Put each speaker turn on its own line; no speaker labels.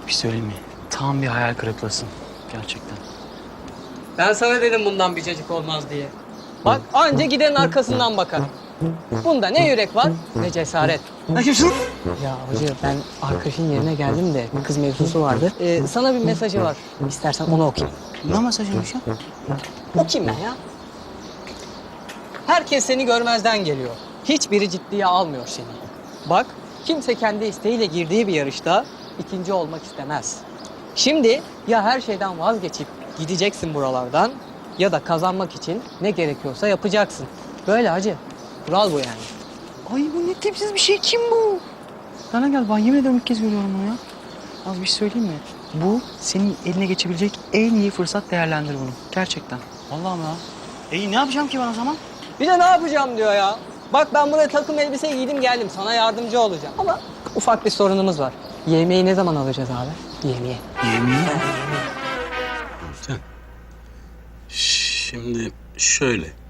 Bir söyleyeyim mi? Tam bir hayal kırıklığısın. Gerçekten.
Ben sana dedim bundan bir cacık olmaz diye. Bak anca gidenin arkasından bakar. Bunda ne yürek var ne cesaret. Ya hoca ben arkadaşın yerine geldim de kız mevzusu vardı. Sana bir mesajı var. İstersen onu okuyayım.
Ne mesajıymış ya?
Okuyayım ben ya. Herkes seni görmezden geliyor. Hiçbiri ciddiye almıyor seni. Bak kimse kendi isteğiyle girdiği bir yarışta ikinci olmak istemez. Şimdi ya her şeyden vazgeçip gideceksin buralardan ya da kazanmak için ne gerekiyorsa yapacaksın. Böyle hacı. Kural bu yani.
Ay bu ne tipsiz bir şey. Kim bu? Sana gel. Ben yemin ederim ilk kez görüyorum bunu ya. Az bir şey söyleyeyim mi? Bu senin eline geçebilecek en iyi fırsat, değerlendir bunu. Gerçekten. Vallahi ya. İyi ne yapacağım ki ben o zaman?
Bir de ne yapacağım diyor ya. Bak ben buraya takım elbise giydim geldim. Sana yardımcı olacağım. Ama ufak bir sorunumuz var. Yemeği ne zaman alacağız abi? Yemeği.
Yemin.
Şimdi şöyle.